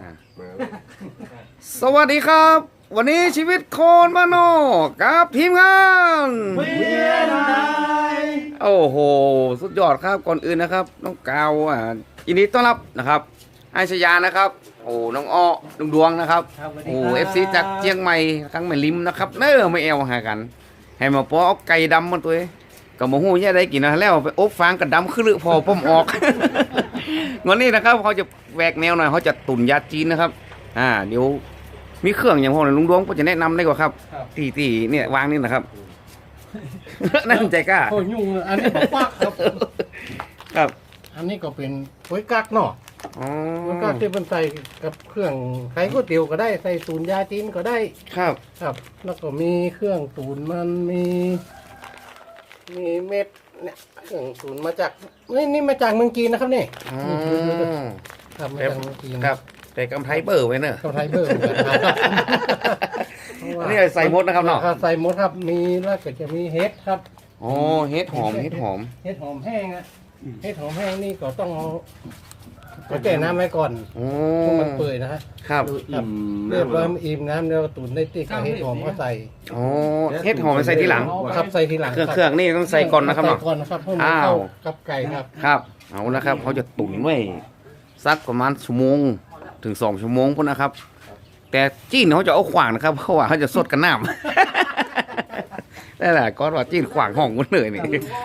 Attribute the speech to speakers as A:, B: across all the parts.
A: สวัสดีครับ วันนี้ชีวิตโคนมโนกับทีมงานโอ้โหสุดยอดครับก่อนอื่นนะครับน้องกาวยินดีต้อนรับนะครับไอชยานะครับโอ้น้องอ้อลุงดวงนะครับโอ้FCจากเชียงใหม่ทั้งแม่ลิมนะครับเน้อไม่เอวหากันให้มาปอเอาไก่ดำมันตัวกับหมูหูเนี่ยได้กินนะแล้วไปอบฟางกับดำขึ้นหรือพอป้อมออก วันนี้นะครับเขาจะแหวกแนวหน่อยเขาจะตุ๋นยาจีนนะครับเดี๋ยวมีเครื่องอย่างพวกนั้นลุงดวงก็จะแนะนำได้กว่าครับที่เนี่ยวางนี่นะครับ นั่นใจกล้า
B: โอ้ยุ่งอันนี้บอกว่าครับ
A: ครับ
B: อันนี้ก็เป็นก๋วยกักเนาะก๋วยกักที่มันใส่กับเครื่องไข่ก๋วยเตี๋ยวก็ได้ใส่ตูนยาจีนก็ได้
A: ครับ
B: ครับแล้วก็มีเครื่องตูนมันมีเม็ดเนี่ยเครื่องตูนมาจากนี่มาจากเมืองจีนนะครับนี่ครับมาจากเมืองจีน
A: ครับแต่กำไทเบอร์ไว้เนอะ
B: กำไทเบอร์
A: นี่ใส่มดนะครับเนาะ
B: ใส่มดครับมีแล้วก็จะมีเห็ดครับ
A: อ๋อเห็ดหอมเห็ดหอม
B: แห้งอะเห็ดหอมแห้งนี่ก็ต้องเอาก็แช่น้ำไว้ก่อนให้มันเปื่อยนะครับเรียบร้อยอิ่มน้ำแล้วตุ๋นได้ติ๊กเห็ดหอมก็ใส่
A: อ๋อเห็ดหอมใส่ทีหลัง
B: ครับใส่ทีหลัง
A: เครื่องนี่ต้องใส่ก่อนนะครับเนาะ
B: ก่อนนะครับเพื่อมันเข้ากับไก่ครับ
A: ครับเอานะครับเขาจะตุ๋นไว้สักประมาณชั่วโมงถึง2 ชั่วโมงพุ่นนะครับแต่จีนเขาจะเอาขวางนะครับเพราะว่าเขาจะสดกันน้ำนั่นแหละก็ว่าจีนขวางห้องกันเลยนี่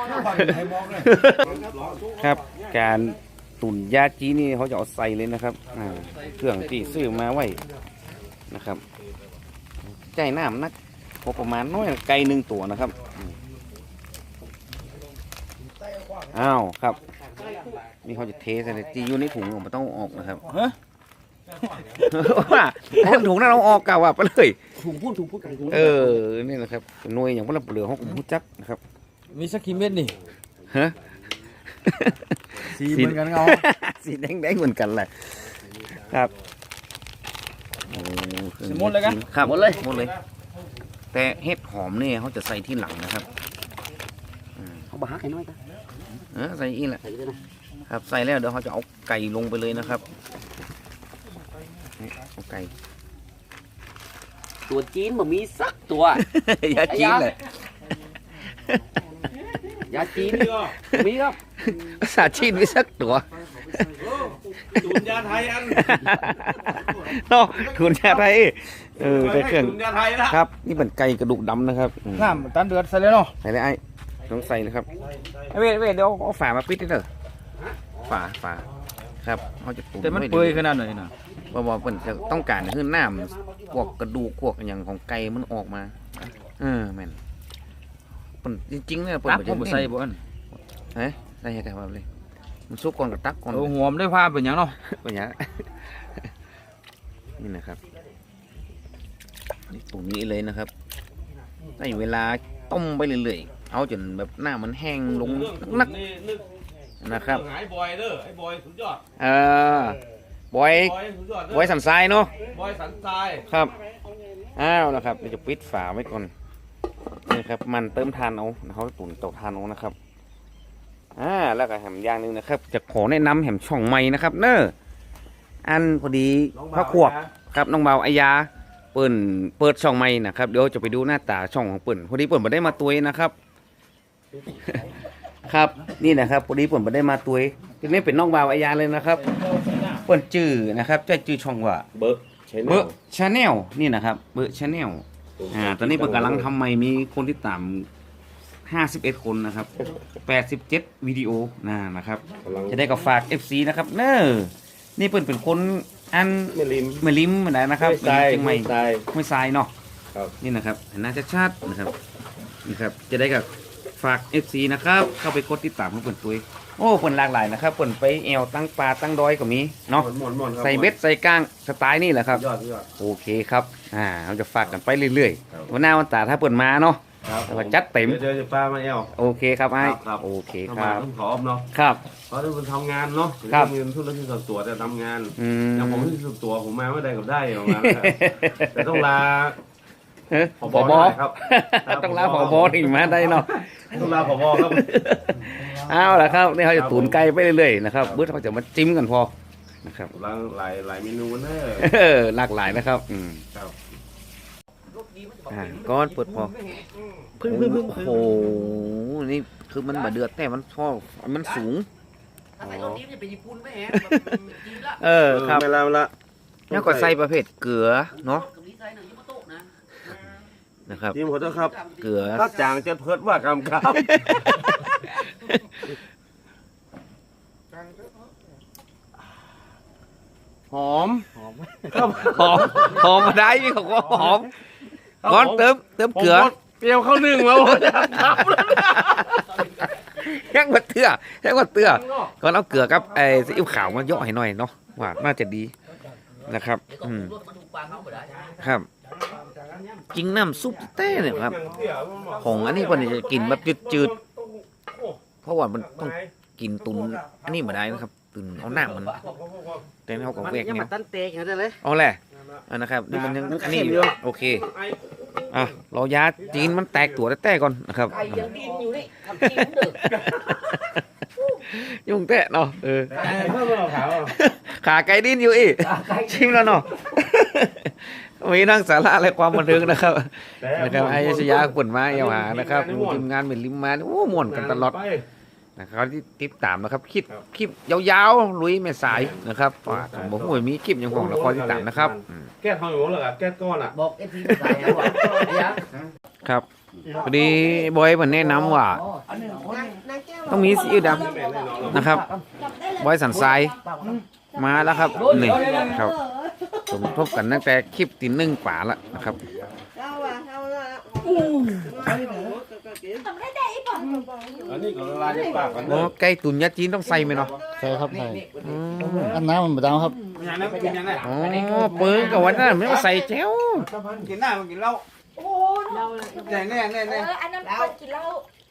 A: ครับการตุ๋นยาจีนี่เขาจะเอาใส่เลยนะครับเครื่องที่ซื้อมาไว้นะครับใจน้ำนักพอประมาณน้อยไก่1 ตัวนะครับอ้าวครับนี่เขาจะเทใส่จีอยู่ในถุงมันต้องออกนะครับว่าถุงนั้นเราออกกาวไปเลย
C: ถุงพูด
A: นี่นะครับหน่วยอย่างพวกเราเปลือกเขาผมพูดจักนะครับ
C: มีสักกี่เม็ดนี่
A: ฮะ
C: สีเหมือนกันเงา
A: สีแดงเหมือนกันเลยครับ
C: หมดเลยกัน
A: ครับหมดเลยแต่เห็ดหอมเนี่ยเขาจะใส่ที่หลังนะครับ
C: เขาบ้าไก่น้อยกัน
A: ใส่อีกแหละครับใส่แล้วเดี๋ยวเขาจะเอาไก่ลงไปเลยนะครับเอาไก่
C: ตัวจีนมันมีสักตัวย
A: าจีนเลย
C: ยาจีนมีครับ
A: ภาษาจีนมีสักตัว
D: ตุนยาไทยอัน
A: เนาะตุนยาไทยแต่เครื่อง
D: ตุนยาไทยนะครับ
A: นี่เป็นไก่กระดูกดำนะครับ
C: น้ำตันเดือดใส่เลยเนาะ
A: ใส่เลยไอ้ต้องใส่เลยครับเว้ยเดี๋ยวเอาฝามาปิดได้เลยฝาครับเขาจะตุ๋น
C: แต่มันเปื่อยขนาดไหนนะ
A: ว่าเปิ่นจะต้องการให้น้ำพวกกระดูกพวกอย่างของไก่มันออกมาแม่นเปิ่นจริงๆเนี่ยเปิ่น
C: ผมใส่บ่อัน
A: ได้ให้แต่ว่าเลยมันซุกก่อนกับตักก่อน
C: หัวมันได้ผ้าเป็นอย่างเนาะ
A: เป็นอย่างนี่นะครับนี่ตุ๋นนี้เลยนะครับได้เวลาต้มไปเรื่อยๆเอาจนแบบหน้ามันแห้งลงนักนะครับ
D: ไอ้บอยเด้อไอ้บอยสุดยอด
A: บอยสันทรายเนาะ
D: บอยสันทราย
A: ครับนะครับเราจะปิดฝาไว้ก่อนนี่ครับมันเติมทานเอาเขาตุ๋นเตาทานเอานะครับแล้วก็แหมอย่างนึงนะครับจะขอแนะนำแหมช่องใหม่นะครับอันพอดีพระขวบครับน้องเบาอายาเปิดช่องใหม่นะครับเดี๋ยวจะไปดูหน้าตาช่องของเปิ่นพอดีเปิ่นมาได้มาตัวนะครับครับนี่นะครับพอดีเปิ่นมาได้มาตัวนี่เป็นน้องเบาอายาเลยนะครับเปิ่นจื่อนะครับจะจื่อช่องว่า
D: เบิร์ก
A: ชาแนลนี่นะครับเบิร์กชาแนลตอนนี้เปิ่นกำลังทำใหม่มีคนที่ตาม51 คนนะครับ87 วิดีโอนะครับจะได้กับฝาก FC นะครับนี่เปิ่นเป็นคนอันไม่ลิมนะครับ
D: ไม่
A: ทรายเนาะนี่นะครับหน้าชัดๆนะครับนี่ครับจะได้กับฝาก FC นะครับเข้าไปกดติดตามของเปิ่นตัวโอ้เปิ่นหลากหลายนะครับเปิ่นไปแอวตั้งปลาตั้งดอยก็มีเนาะใส่เบ็ดใส่ก้างสไตล์นี่แหละครับโอเคครับเราจะฝากกันไปเรื่อยๆวันหน้าวันตาถ้าเปิ่นมาเนาะเราจัดเต็ม
D: เดี๋ยวจะปลามา
A: โอเคครับไอ้โอเคครับ
D: ต้องขอเนาะ
A: ครับ
D: เพราะทุกคนทำงานเนาะเงินทุนที่ส่วนตัวแต่ทำงานอย่างผมที่ส่วนตัวผมมาไม่ได้กับได้ออกมาแต่ต้องลา
A: ผบ
D: ครับ
A: ต้องลาผบถึงมาได้เนาะ
D: ต้องลาผบครับ
A: เอาละครับนี่เขาจะตุ๋นไก่ไปเรื่อยๆนะครับเบื้องเขาจะมาจิ้มกันพอนะครับ
D: หลายเมนูเนอะ
A: หลากหลายนะครับ
D: ครับ
A: ก้อนเปิดพอพึ่งโอ้โหนี่คือมันมาเดือดแต่มันพอมันสูงครับ
D: เวลา
A: แล้วก็ใส่ประเภทเกลือเนาะนะครับ
D: ทีมขอโทษครับ
A: เกลือ
D: ถ้าจางจะเพิดว่ากรรมครับ หอม
A: หอมมาได้พี่เขาก็หอมก้อนเติมเกลือ
D: เปรี้ยวเข้าหนึ่งแล้วครับ
A: แห้งกว่าเตื้อก่อนเอาเกลือกับไอ้ซีอิ๊วขาวมาย่อให้หน่อยเนาะว่าน่าจะดีนะครับครับจริงน้ำซุปเต้เนี่ยครับของอันนี้คนจะกินแบบจืดๆเพราะว่ามันต้องกินตุนอันนี้มาได้นะครับตุนเอาหน้ามันแต่เขาก็แวกเนี่ย
C: ตั้นเตะอย่างนั้นเลย
A: เอาแหละนะครับนี่มันยังอันนี้อยู่โอเคอ่ะเรายาจีนมันแตกตัวแต่ก่อนนะครับ
C: ไก่ยังกินอยู่นี่ทำกินเด้อ
A: ยุ่งแตะเนาะ
D: เพิ่มเราขาว
A: ขาไก่ดิ้นอยู่อีกชิมแล้วเนาะมีนั่งสาระและความบันเทิงนะครับไอ้ชยาปุ่นมาเอวหานะครับทีมงานเป็นลิมมาโอ้ม่วนกันตลอดนะครับที่ติดตามนะครับคลิปยาวๆลุยไม่สายนะครับผมบอกว่ามีคลิปยังของละครติดตามนะครับ
D: แก้ทองอยู่หรอแก้ก้อนอ่ะ
C: บอกเอฟซีใส่หัวเนี่ย
A: ครับพอดีบอยมันแนะนำว่าต้องมีซีอิ๊วดำนะครับบอยสันทรายมาแล้วครับนี่ครับสมทบกันตั้งแต่คลิปตีหนึ่งกว่าละนะครับ
D: อันนี้ก็ละลายในปากกัน
A: โอ้ไก่ตุ๋นยาจีนต้องใส่ไหมเนาะ
B: ใช่ครับใช่อันน้ำมันบดาวครับ
D: อย่างนั้นเป็นยังไง
A: อ๋อเปิ้งกับวันนั้นไม่ต้องใส่แจ้ว
D: กินหน้ามันกินเหล้า
E: โอ้แน่
D: แน่
E: อันนั้นเปิดกินเหล้า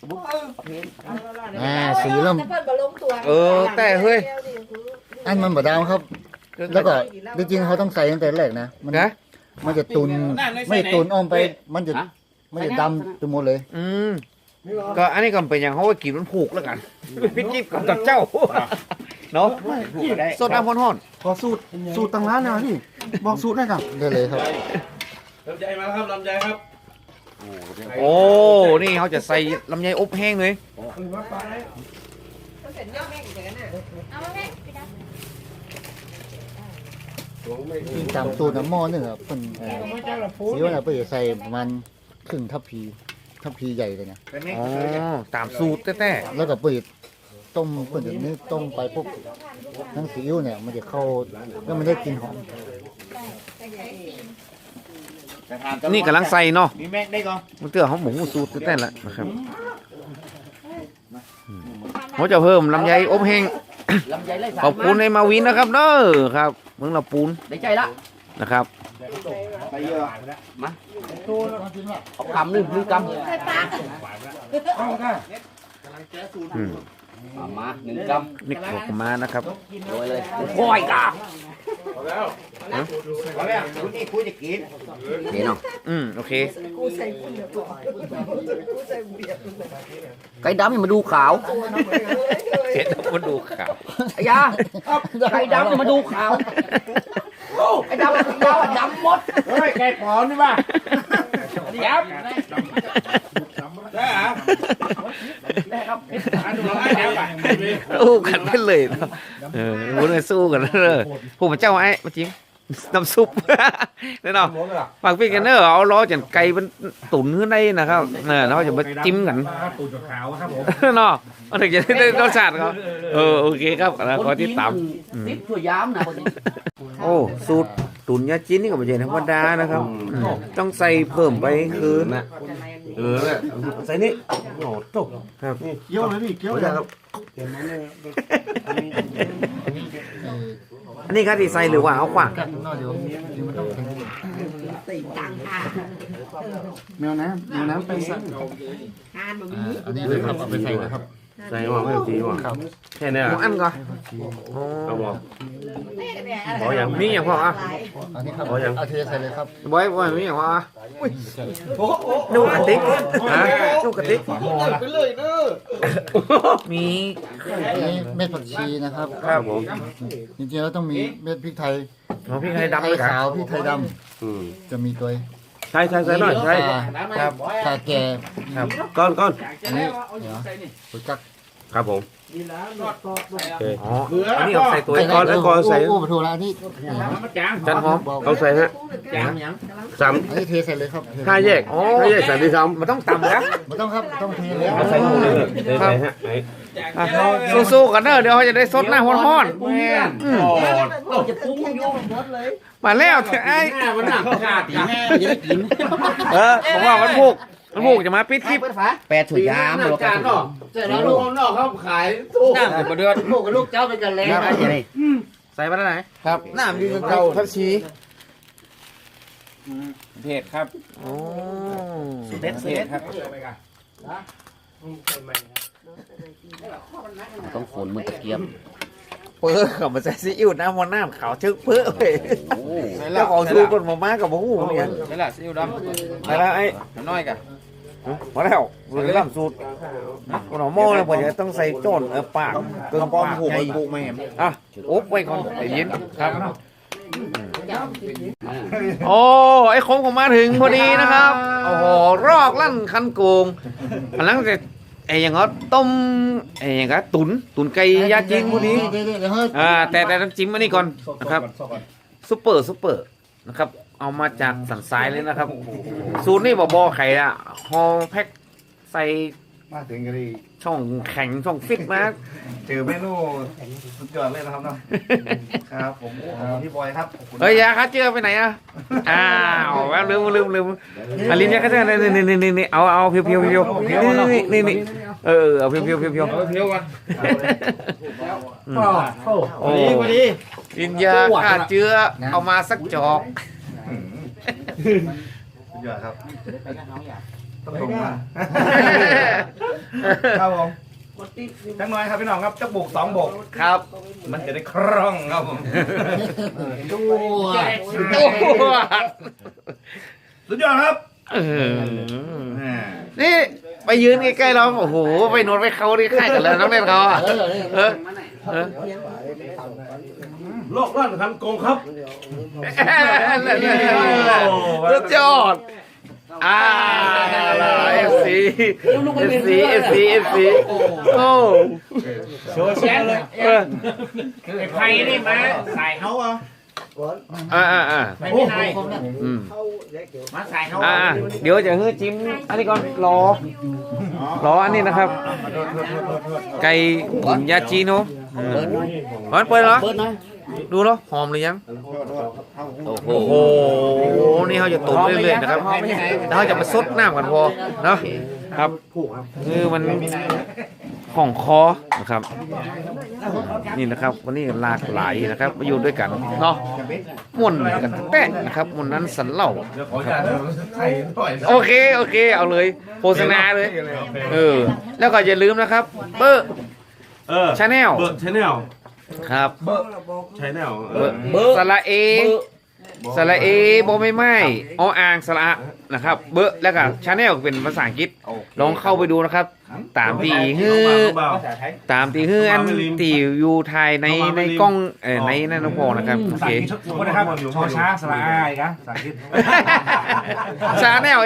B: สีเริ่ม
E: เปิดบอลลงตัว
A: แต่เฮ้ย
B: อันมันบดาวครับ แล้วก็จริงๆเขาต้องใส่ตั้งแต่แรกนะ
A: นะ
B: มันมันจะตุนไม่ตุนอ้อมไปมันจะดำไปหมดเลย
A: ก็อันนี้ก็เป็นอย่างเขาว่ากินมันผูกแล้วกันพี่กิ๊บกับเจ้าเนาะสดน้ำห้อน
B: ขอสูตรต่างร้านนะพี่บอกสูตรได้ครับได้เลยครับ
D: ลำไยมาครับลำไยครับ
A: โอ้นี่เขาจะใส่ลำไยอบแห้งเลย
E: เอามาแม่ไปดับ
B: ตามสูตรน้ำหม้อนึงครับเป็นสีว่าเปิดใส่ประมาณครึ่งทัพพีใหญ่เลยนะ
A: อ๋อตามสูตรแต่
B: แล้วก็เปิดต้มเปิดอย่างนี้ต้มไปปุ๊บทั้งซีอิ๊วเนี่ยมันจะเข้าแล้วมันได้กลิ่นหอม
A: นี่กำลังใส่เนาะ
C: มีแม็กได้ก่อน
A: มันเตือเขาหมูสูตรแต่ละนะครับเขาจะเพิ่มลำไยอบแห้ง
C: ลำไยไล่สาร
A: ขอบคุณในมาวินนะครับเด้อครับเมืองลำปูน
C: ได้ใจละ
A: นะครับ
C: ไปเยอะมาเอากำหนึ่งกำ
E: ใส่ปาก
A: อืม
C: มาหนึ่งกำ
A: นี่ขอบคุณมานะครับ
C: โรยเลยโอยกา
D: พอแล้ว
C: พอแล้วคุณนี่คุยจะกินเดี๋ยวน้อง
A: โอเค
C: ไก่ดำอย่ามาดูขาว
A: เห็นแล้วมาดูข่าว
C: ไอ้ยาไก่ดำอย่ามาดูขาวไอ้ดำยาวดำหมด
D: เฮ้ยแกปอนนี่ป่ะ
C: ยับ
D: ได้เหรอ
C: ได้ครับ
D: อันนี้ได้แล้วป่ะ
A: สู้กันไปเลยเนาะพูดไปสู้กันเลยผู้มาเจ้าไอ้มาจริงน้ำซุปแน่นอนฝากพี่กันเนอเอาล้อจันไก่มันตุ๋นขึ้นได้นะครับเราจะมาจิ้มกัน
D: ตูดขาวครับผม
A: เนาะมันถึงจะได้รสชาติเขาโอเคครับขอติดตาม
C: ติดตัวยามนะคนนี้
A: โอ้สูตรตุ๋นยาจีนนี่ก็ไม่ใช่ธรรมดานะครับต้องใส่เพิ่มไปคือนะ
D: เนี่ยใส่นี่โอ้ตก
A: ครับ
B: เกี่ยวเลยพี่เกี่ยวเลยครับ
A: อันนี้ครับที่ใส่หรือว่าเอาขวาง
B: แมวน้ำไปใส่อันนี้เลยครับเอาไปใส่นะครับ
D: ใส่หม้อไม่ต้องตีหม้อ
B: ครับ
D: แค่เนี้ย
A: หมออันก่อน
D: เอาหม้อ
A: ขออย่างมีอย่างพออ่ะ
B: อันนี้ครับ
D: อ๋อยัง
B: เอาเทใส่เลยครับ
A: บอยมีอย่างพออ่ะดูกระติกฮะดูกระติกมี
F: อันนี้เม็ดผักชีนะครับ
A: ครับผม
F: จริงๆแล้วต้องมีเม็ดพริกไทย
A: หมอพี่ให้
F: พริก
A: ดำ
F: ไท
A: เลย ยครับ
F: ขาวพริกไทยด
D: อืม
F: ำจะมีตัว
D: ใช่หน่อยใช่
A: ครับ
F: ข่าแก่
D: ก้อน
F: อันนี้เดี๋ยวปุ๋ยกัก
D: ครับผมโอเค
A: อ๋ออันนี้เอาใส่ตัว
D: ก้อนไอ้ก้อนใส่
F: โอ้ปะทูละอันนี้
A: จันหอม
D: เอาใส่ฮะสาม
F: อันนี้เทใส่เลยครับเท
D: ห้าแยกใส่ที่ซ้ำ
A: มันต้องต่ำแล้ว
F: ไม่ต้องครับต้องเทเลย
D: เอาใส่หมดเลยใส่ฮะไอ้
A: สู้ๆกันเด้อเดี๋ยวเขาจะได้สดหน้าฮ้อนๆแม่น
C: เราจะปรุงโยมหมดเลย
A: มาแล้วเถอะไอ้
C: มันหนักขาดตีแม่จะได้กิน
A: บอกว่าวันพุกจะมาปิดคลิป
C: แปดถุยยามหรอกการเนาะเสร็จแล้วลูกนอกเขาขายตู้
A: น้ำมาเดือด
C: ลูกกับลูกเจ้าเป็นกันเลยนะอย่างนี้
A: ใส่มาได้ไหนครับน้ำดีจนเก่าทับชีเผ็ดครับโอ้เผ็ดครับ
C: ต้องฝนมือตะเกียบ
A: เปื้อกับมาใส่ซีอิ๊วน้ำมันน้ำขาวชึกเปื้อเว้ยแล้วของชูคนมาม่ากับหมูเนี่ยนี่แหละซีอิ๊วดำไปแล้วไอ้น้อยกันพอแล้วสูตรล่ำสูตรคนหม้อเลยผมจะต้องใส่โจนปากเกลือปากผูกไม่ผูกไม่อ่ะอุ๊บไว้ก่อนไอ้ยินครับโอ้ไอ้คงมาถึงพอดีนะครับโอ้โหรอกลั่นคันโกงอันนั้นจะไอ้อย่างก็ต้มไอ้อย่างก็ตุ๋นไก่ยาจีนพวกนี้
F: เดี๋ยวเฮ้ย
A: แต่น้ำจิ้มอันนี้ก่อนนะครับซุปเปอร์นะครับเอามาจากสันทรายเลยนะครับสูตรนี่บอไข่อะฮอแพ็คใส่
F: มาถึงกันดี
A: ช่องแข็งช่องฟิตมา
B: เจอเมนูสุดยอดเลยนะครับเนาะครับผมพี่บอยครับ
A: เฮ้ยยาคัดเจือไปไหนอะอ้าวแววลืมอันลิ้นยาคัดเจือนี่เอาเพียวนี่เอาเพียวกันโอ้ลิ้นยาคัดเจือเอามาสักจอก
B: สุดยอดครับต้องลงมาครับผมจังน้อยครับพี่น้องครับจะบุก2บก
A: ครับ
B: มันจะได้คล่องครับผม
F: ตัว
B: สุดยอดครับ
A: นี่ไปยืนใกล้ๆเราโอ้โหไปนวดไปเขาที่ค่ายกันแล้วน้องเล่นเขาอ่ะเออ
D: โลกร้อนคันโกงครับ
A: สุดยอดFC โอ้โชว์แชร์เลยไอ้ไผ่นี่มาใส่เขาอ่ะ
C: ไม่มีนาย
A: มาใส่เขาเดี๋ยวจะให้จิ้มอันนี้ก่อนรออันนี้นะครับไก่ตุ๋นยาจีโน่เปิดเหรอดูเหรอหอมหรือยังโอ้โหนี่เขาจะตุ๋นเรื่อยๆนะครับแล้วเขาจะมาซดน้ำกันพอเนาะครับคือมันของคอนะครับนี่นะครับวันนี้หลากหลายนะครับมาอยู่ด้วยกันเนาะม่วนกันแป้งนะครับม่วนนั้นสันเหล่าโอเคเอาเลยโฆษณาเลยแล้วก็อย่าลืมนะครับเบอร์ชาแนลครับ
D: ใช้แนว
A: สระเอโบไม่ออ่างสระนะครับเบอร์แล้วก็ชาแนลเป็นภาษาอังกฤษลองเข้าไปดูนะครับตามตีฮืออันตีอยู่ไทยในกล้องในนั่นนะพอนะครับโอเค
B: นะครับชอช้าสระอายครับภาษาอังกฤษ
A: ชาแนล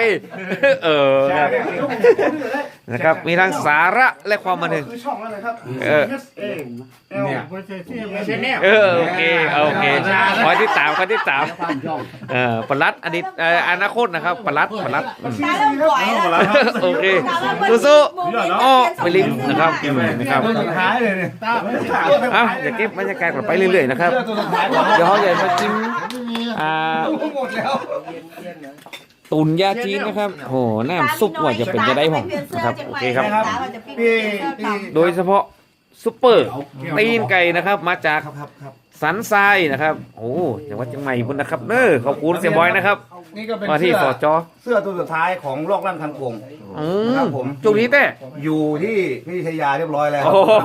A: นะครับมีทั้งสาระและความบันเทิง
B: คือช่องอะไรครับ
A: เนี่ย
B: ไม่ใช่แนว
A: โอเคขอติดตามปลัดอนาคตนะครับปลัด
E: ตาเริ่มปล่อยแล้ว
A: โอเคสู้ๆอ้อไปลิ้มนะครับ
B: ท้ายเลยเนี่ยตา
A: อย่าเก็บบรรยากาศกลับไปเรื่อยๆนะครับเดี๋ยวเขาจะมาจิ้ม
B: หมดแล้ว
A: ตุ๋นยาจีนนะครับโหน้ำซุปว่าจะเป็นจะได้ผมนะครับโอเคครับโดยเฉพาะซุปเปอร์ตีนไก่นะครับมาจากสันทรายนะครับโอ้จังหวัดเชียงใหม่พุ่นนะครับขอบคุณเสียบอยนะครับ
F: นี่ก็เป็น
A: มาที่
F: เสื้อ
A: สจ
F: เสื้อตัวสุดท้ายของโลกลั่นคันโกง
A: อืม
F: ครับผม
A: จุกนี้เต้
F: อยู่ที่พิทยาเรียบร้อยแล้ว
A: โอ้โห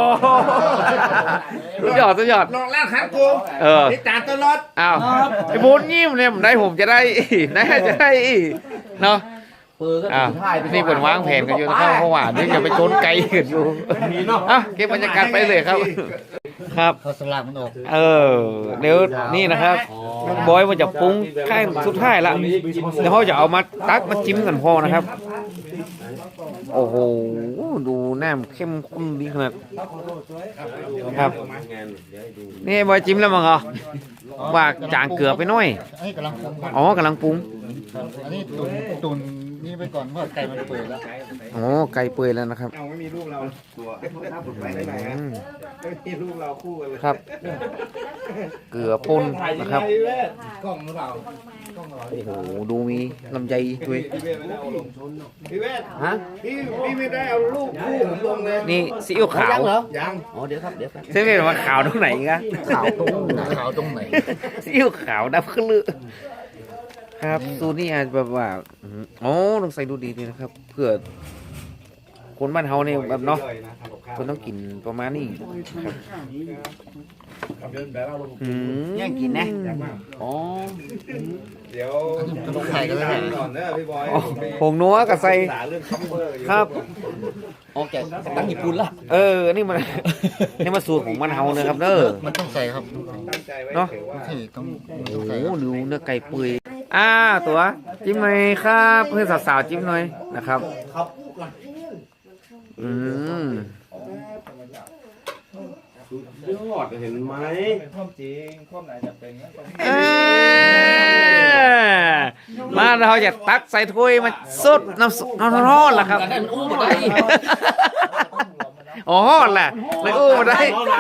A: สุดยอดสุดยอด
F: โลกลั่นคันโกง
A: เออ
F: ติดตามตลอด
A: อ้าวไอ้บุญยิ้มเนี่ยผมได้ผมจะได้นะจะได้เนาะ
C: ปืนก็
A: อ้าว
C: ถือท้ายไป
A: นี่เปิดวางแผนกันอยู่นะครับเพราะว่าเดี๋ยวจะไปชนไกลกันอยู่อ่ะเก็บบรรยากาศไปเลยครับ ครับ
F: เขาสลับมันออก
A: เดี๋ยวนี่นะครับบอยมันจะปรุงใกล้สุดท้ายละเดี๋ยวเขาจะเอามาตักมาจิ้มกันพอนะครับ โอ้โหดูแนมเข้มข้นดีขนาดครับนี่บอยจิ้มแล้วมั้งเหรอว่าจางเกลือไปหน่อย
F: ให้กำลังปรุง
A: อ๋อกำลังปรุง
F: อันนี้ตุนนี่ไปก่อนเพราะไก่มันเปื่อยแล้ว
A: อ๋อไก่เปื่อยแล้วนะครับ
F: เอาไม่มีรูปเราตัวไปไหน
A: อืม
F: ไม่มีรูปเราคู่กันเลย
A: ครับ เกลือป่นนะครับ
F: กล้องหรือเปล่า
A: โอ้โหดูมีลำไยด้วย
F: พี่เวท
C: ฮะ
F: พี่ไม่ได้เอารูปคู่ผมลงเลย
A: นี่ซีอิ๊วขาว
C: เหรอ
F: ยัง
C: อ๋อเดี๋ยวครับเดี๋ยวครับ
A: เส้นเป็นว่าขาวตรงไหนกัน
F: ขาวตรงไหน
A: ซีอิ๊วขาวดำขึ้นลือครับสูตรนี่อาจแบบว่าอ๋อต้องใส่ดูดีนี่นะครับ เพื่อคนบ้านเฮาเนี่ยแบบเนาะคนต้องกินประมาณนี้ครับ
C: แย่งกินนะอ๋อ
F: เดี๋ยวต้องถ่ายกันเลยก่อนเนอะพี่บอย
A: ผงนัวกับใส่
F: ศึกษาเรื่องคัมเบอร์อยู่
A: ครับ
C: โอเคตั้งญี่ปุ่นละ
A: นี่มัน นี่มันสูตรของบ้านเฮานะครับเด้อ
F: มันต้องใส่ครับ
A: เนาะ
F: ที่ต้อง
A: โอ้โหดูเนื้อไก่เปื่อยตัวจิ้มหน่อยครับเพื่อนสาวๆจิ้มหน่อยนะครับอืม
D: ยอดเห็นไหม
A: มาเราจะตักใส่ถ้วยมาสุดน้ำซุปน้ำร้อนล่ะครับ
C: นั่นอู้มาได้
A: อ๋อแหละเลยอู้มาได้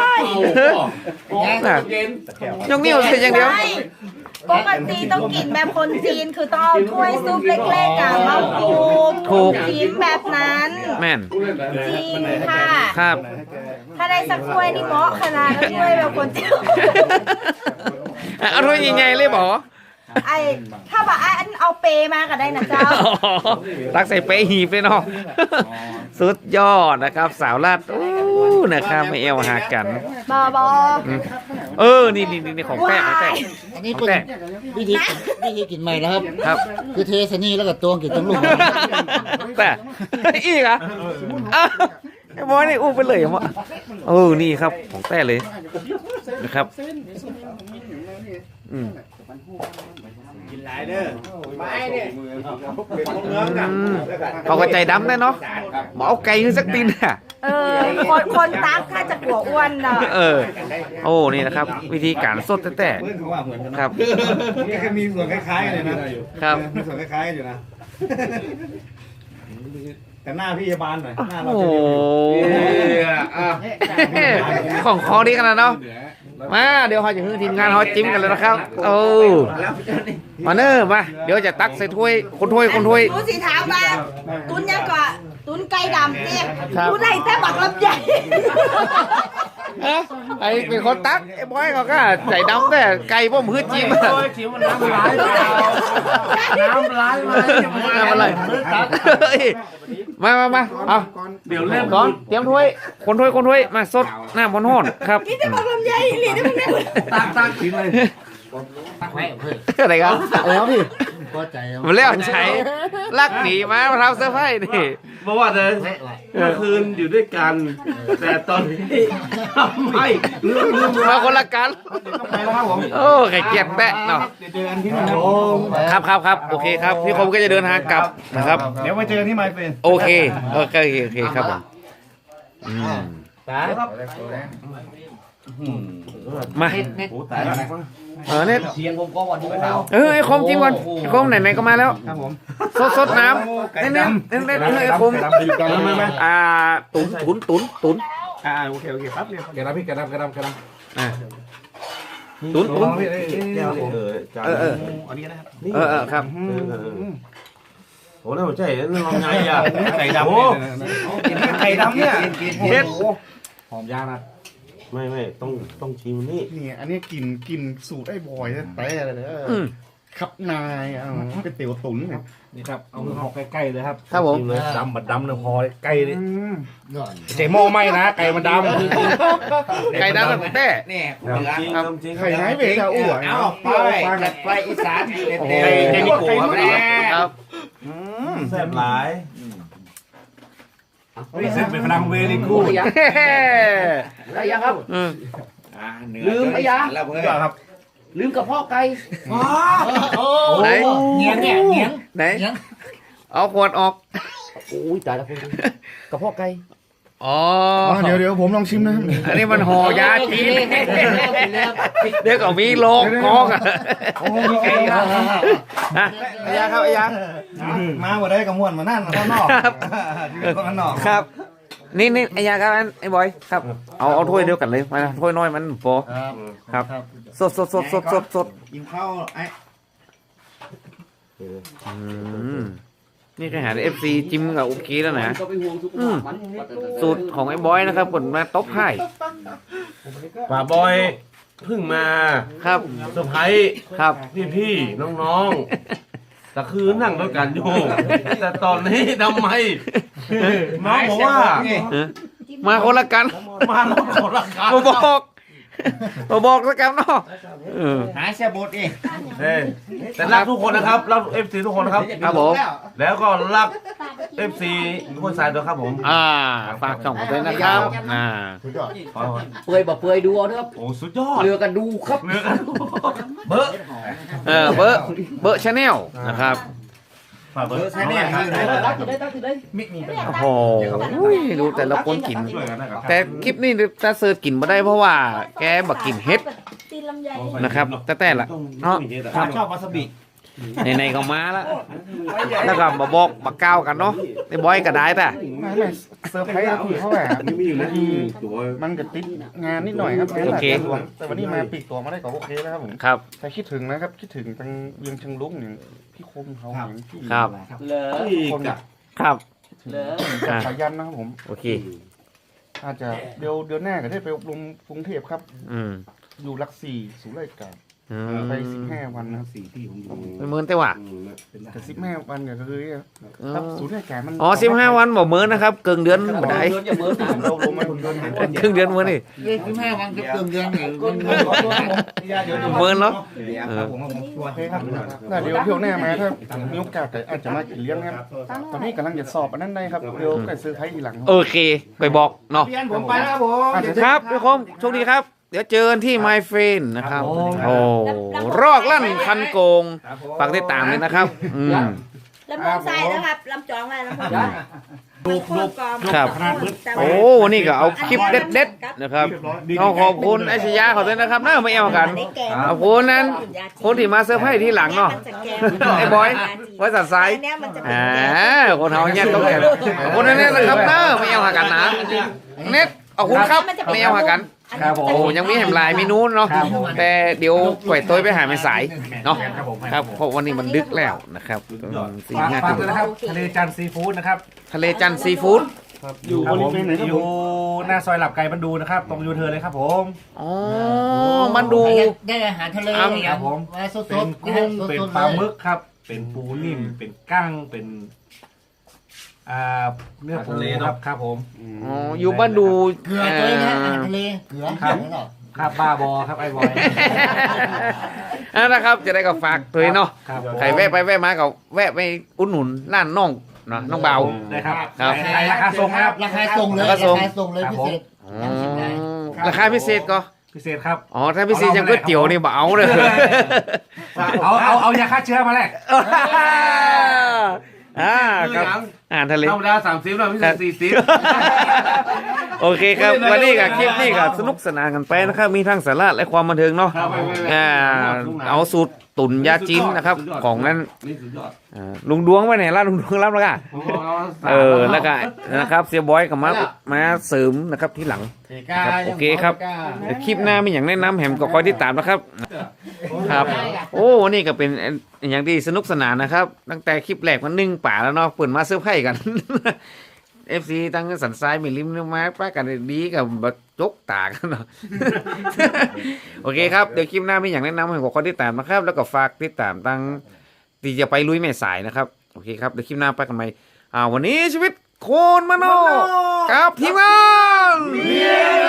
A: น่ะยกนิ้วใส่อย่างเดียว
E: ใช่ปกติต้องกินแบบคนจีนคือต้องเอาถ้วยซุปเล็กๆอะมาปู
A: ถูก
E: กินแบบนั้น
A: แม่น
E: จริงค่ะ
A: ครับ
E: ถ้าได้สักถ้วยนี่เหมาะขนาดนั้นถ้วยแบบคนจีน
A: เอาถ้วยใหญ่ๆเลยบอ
E: ไอ้ถ้าแบบไอ้อันเอาเปมาก็ได้นะเจ้า
A: ตักใส่เป๊ะหีบเลยเนาะสุดยอดนะครับ สาวลาดอู้นะครับไม่เอวหากัน
E: บอบอ
A: นี่ของแป้งของแป้ง
F: อันนี้
A: ของ
F: เป็น
A: แป้ง
F: วิธีกินใหม่นะครับ
A: ครับ
F: คือเทใส่นี่แล้วก็ตวงกินทั้งลูก
A: แต่อีกเหรอ่ะไอ้บอยนี่อู้ไปเลยอ่ะมะนี่ครับของแป้เลยนะครับอืม
F: กินหลายเด้อไปเนี่ยเป็นพวกเนื้อกัน
A: เขาก็ใจดำได้เนาะหมอเอาไก่ขึ้นสักตีนน่ะ
E: คนตักถ้าจะกลัวอ้วนเนาะ
A: นี่นะครับ วิธีการสดแต่
F: เพื่อนถือว่าเหมือนกัน
A: ครับ
F: นี่ก็มีส่วนคล้ายๆกันเลยนะครับ มีส่วนคล้ายๆกันอยู่นะแต่หน้าพี่ยาบาลหน่อยหน้าเรา
A: โอ้
F: จะ
A: ของคอดีขนาดเนาะมาเดี๋ยวเขาจะให้ทีมงานเขาจิ้มกันเลยนะครับมาเนอมาเดี๋ยวจะตักใส่ถ้วยคนถ้วย
E: ดูสิถามมาตุนยังก่อนตุนไก่ดำเนี่ย
A: ครับ
E: ตุนไหนแต่บักลำใหญ่
A: ไอ้เป็นคนตักไอ้บอยเขาก็ใจดำแต่ไก่พ่อมฮืดจิ้ม
C: น้ำลายมา
A: อะไรมาเอา
D: เดี๋ยวเริ่ม
A: ก่อนเตรียมถ้วยคนถ้วยมาสดหน้าบนห้อนครับ
E: นี่แต่บักลำใหญ่หลีได้มั้งเนี่ย
C: ตักกินเลยตักไว้เพื่อน
A: อะไรครับ
F: แล้วพี่พอใจ
A: มันเลี้ยวใช้ลักหนีมาทำเสื้อผ้านี่
D: บอกว่าเลยเมื่อคืนอยู่ด้วยกัน แต่ตอนนี้ไม่ลืม
A: มาคนละกัน
F: ไปแล้วครับผม
A: โอ้ไข่เกียดแปะเนาะ
F: เจอกันที่นั่น
A: ครับโอเคครับพี่คมก็จะเดินทางกลับนะครับ
F: เดี๋ยวไปเจอกันที่ไมเฟน
A: โอเคครับผมมา
D: โอ้ตายแล้ว
A: เนี่ย
C: เสียงผมก็วันนี้เขา
A: ไอ้คมจิ้มก่อนไอ้คมไหนๆก็มาแล้ว
F: ครับผม
A: สดน้ำเน้นไอ้คมตุ๋น
F: โอเคแป๊บเดียวแกรับพี่แกรับ
A: ตุ๋น
F: อันนี้นะครับ
A: ครับ
D: โอ้น่าสนใจนี่ลองไงอ่ะ
F: ไก่ดำ
D: โอ้
F: ไก่ดำเนี่ย
A: เด็ด
F: หอมย่างนะ
D: ไม่ต้องชิมนี่
F: นี่อันนี้กินสูตรไอ้บอยแต่อะไรเนี่ย
A: อืม
F: ขับนายเป็นเตี๋ยวตุ๋นเนี่ย
B: นี่ครับเอามือหอกใกล้ๆเลยครับ
A: ครับผม
B: เลยดำบัดดำเลยพอใกล้เลยเจ๊หม้อไหมนะไก่มันดำ
A: ไก่ดำของแต้
C: เนี่ย
D: น้ำจริง
F: ไข่ไหนเบกอะอ้วน
C: เอาไปอีสาน
A: โอ้โห
C: เด็ด
B: ไก่นิโก้ครับ
A: ครับ
D: แซ่บหลาย
B: นี่เสร็จเป็นพลังเวรีกู
C: อะไรยังครับ
A: อืม
C: ลืมไอ้ยา
F: แล้วเพื่อนครับ
C: ลืมกระเพาะไก่
A: ไหน
C: เงียงเนี่ยเงียง
A: ไหนเอาขวดออก
C: โอ้ยตายแล้วคุณกระเพาะไก่
A: อ๋อ
F: เดี๋ยวผมลองชิมนะครับ
A: อันนี้มันห่อยาจีนเดี๋ยวก็มีโลกกองอ่ะ
F: โอ้มีไก่
A: อ่ะอายาครับอายา
F: มาบ่ได้กับม่วนมานั่นข้างนอกอยู่ข้างนอก
A: ครับ นี่อายาครับไอ้บอยครับ เอาถ้วยเดียวกันเลยมาถ้วยน้อยมันพอ
F: ครับ
A: ครับ สด
F: กินข้าวไอ้
A: อืมนี่แค่หาเอฟซีจิ้มกับโอเคแล้วนะสูตรของไอ้บอยนะครับผลมาตบให้
D: ป่าบอยเพิ่งมา
A: ครับ
D: เซอร์ไพรส์
A: ครับ
D: พี่น้องๆแต่คือนั่งด้วยกันอยู่แต่ตอนนี้ทำไมน้องบอกว่า
A: มาคนละกัน
D: มาแล้วขอราคา
A: บอกสักคำเนาะเออ
C: หาเสียบดเอง
D: แต่รักทุกคนนะครับรักเอฟซีทุกคนนะครับ
A: ครับผม
D: แล้วก็รักเอฟซีทุกคนสายด้วยครับผม
A: ฝากช่องผมด้วยนะครับ
C: เปื่อยบ่เปื่อยดูเอาเถอะครับ
D: โอ้สุดยอด
C: เรือกันดูครับ
D: เนื้อกัน
C: เบอร์
A: เบอร์ชาแนลนะครับ
D: ฝากเบอร์
C: ใช่เนี่ยตั้งติดได้
A: โอ้โหดูแต่ละคนกิน
D: ช่วยกันนะครับ
A: แต่คลิปนี้ถ้าเสิร์ชกินมาได้เพราะว่าแกบักกินเฮ็ด
E: ตีนลำไย
A: นะครับแต่ละเนาะ
F: ชอบวาซาบิ
A: ในก็มาแล้วแล้วก็มาบอกมาก้าวกันเนาะไอ้บอยก็ได้แต่
F: ไม่เซอร์ไพรส์พี่เขาแบบมันก็ติดงานนิดหน่อยครับงานหลายตัวแต่วันนี้มาปีกตัวมาได้ก็โอเคแล้วครับผม
A: ครับ
F: แต่คิดถึงนะครับคิดถึงทางเวียงเชิงลุงอย่างพี่คมเขาอย่างพี่
A: ครับ
C: เหลอ
F: คนเนี่ย
A: ครับ
C: เหลอ
F: กับสายันนะครับผม
A: โอเค
F: อาจจะเดือนหน้าก็ได้ไปอบรมกรุงเทพครับ
A: อืม
F: อยู่หลักสี่ศูนย์ราชการ
A: อืม
F: ไป15 วันนะครับ
A: เป็นหมื่นแต่ว่า
F: แต่15 วันก็คือครับศูนย์ราชการมัน
A: อ๋อ15 วันบ่หมื่นนะครับเกินเดือนบ่ได้
C: เดือนอย่าเบอร์
F: เราลงมาเดือน
A: ครึ่งเดือนมื้อนี่
C: 15 วันกับเดือนเนี่ย
A: หมื่นเนาะเออ
F: โอเคครับแล้วเดี๋ยวเที่ยวหน้ามาถ้ามีโอกาสก็อาจจะมากินเลี้ยงครับตอนนี้กำลังจะสอบอันนั้นได้ครับเดี๋ยวก็ซื้อไทยทีหลัง
A: โอเคไปบอกเนาะ
C: เพียนผมไปแล้วผม
A: ครับพี่คมโชคดีครับ เดี๋ยวเจอกันที่ My Friend นะครับ โอ้รอกลั่นคันโกงฝากติดตามเลยนะครับอืม
E: ลำโพงใส่นะครับลำจองไว้ลำโพงใส่ดู
A: ครับ โอ้วันนี้ก็เอาคลิปเด็ดๆนะครับเอาขอบคุณไอ้ชยาขอด้วยนะครับน่าไม่เอากันขอบคุณนั้นคนที่มาเซอร์ไพรส์ที่หลังเนาะไอ้บอยไว้สัตว์ไซส์คนเฮาเนี่ยต้องแก่ขอบคุณนั่นนะครับเนอะไม่เอาหากันนะเน็ตขอบคุณครับไม่เอาหากันโอ้ยังมีแหมลายมีนู้นเนาะแต่เดี๋ยวปล่อยตัวไปหาไม่สายเนาะครับเพราะวันนี้มันดึกแล้วนะครับสี่ห้า
B: ฝาก
A: ทุ่ม
B: ด้วยนะครับทะเลจันทร์ซีฟู้ดนะครับ
A: ทะเลจันทร์ซีฟู้ด
F: อยู่บริเวณไหนครับ
B: อ
F: ผ
B: ยู่
F: ม
B: หน้าซอยหลับไก่บรรดูนะครับตรงยูเทิร์นเลยครับผม
A: อ๋อมันดู
C: ได้อาหารทะเล
B: ครับผม
C: สด
B: เป็นกุ้งเป็นปลาหมึกครับ เป็นปูนิ่มเป็นกั้งเป็นเนื้อปูครับครับผม
A: อ๋ออยู่บ้านดู
C: เกลือตัวนี้นะอาหารทะเลเกลือ
B: ครับบ้าบอครับไอ้บอย
A: นะครับจะได้ก็ฝากตัวเนาะ
B: ครับ
A: ใครแวะไปแวะมาก็แวะไปอุดหนุนร้านน้องเนาะน้องเบา
B: ได้ครับ
A: ครับ
B: ขายราคาส่งนะครับ
C: ราคาส่งเลย
A: ราคาส่ง
C: เลยพิเศษ
A: อ๋อราคาพิเศษก็
B: พิเศษครับ
A: อ๋อถ้าพิเศษยังก๋วยเตี๋ยวนี่บ่เอาเลย
B: เอายาฆ่าเชื้อมาแลก
A: ครับอาหารทะเล
D: ธรรมดา30แล้วพิเศษ40
A: โอเคครับวันนี้กับคลิปนี้ก็สนุกสนานกันไปนะครับ มีทั้งสาระและความบันเทิงเนาะเอาสูตรตุ๋นยาจีนนะครับ ของนั้น
D: นี่สุดยอด
A: ลุงดวงไปไหนล่ะลุงดวงรับแล้วก็แล้วก็นะครับเสียบอยกับมาเสริมนะครับที่หลังครับโอเคครับเดี๋ยวคลิปหน้ามีอย่างแนะนำแหมก็คอยติดตามนะครับครับโอ้วันนี้ก็เป็นอย่างที่สนุกสนานนะครับ ตั้งแต่คลิปแรกมัน1 ป่าแล้วเนาะเปิดมาเซอร์ไพรส์กัน FC ตั้งสันทรายไม่ริมเนี่ยมาป้ากันดีกับบักจกตากันเนาะ โอเคครับเดี๋ยวคลิปหน้ามีอย่างแนะนำให้กับคนที่ตามนะครับ แล้วก็ฝากติดตามตั้งที่จะไปลุยแม่สายนะครับโอเคครับเดี๋ยวคลิปหน้าไปกันใหม่วันนี้ชีวิตโคนมโนกับทีมงาน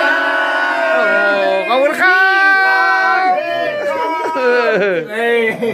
A: โอ้ขอบคุณครับ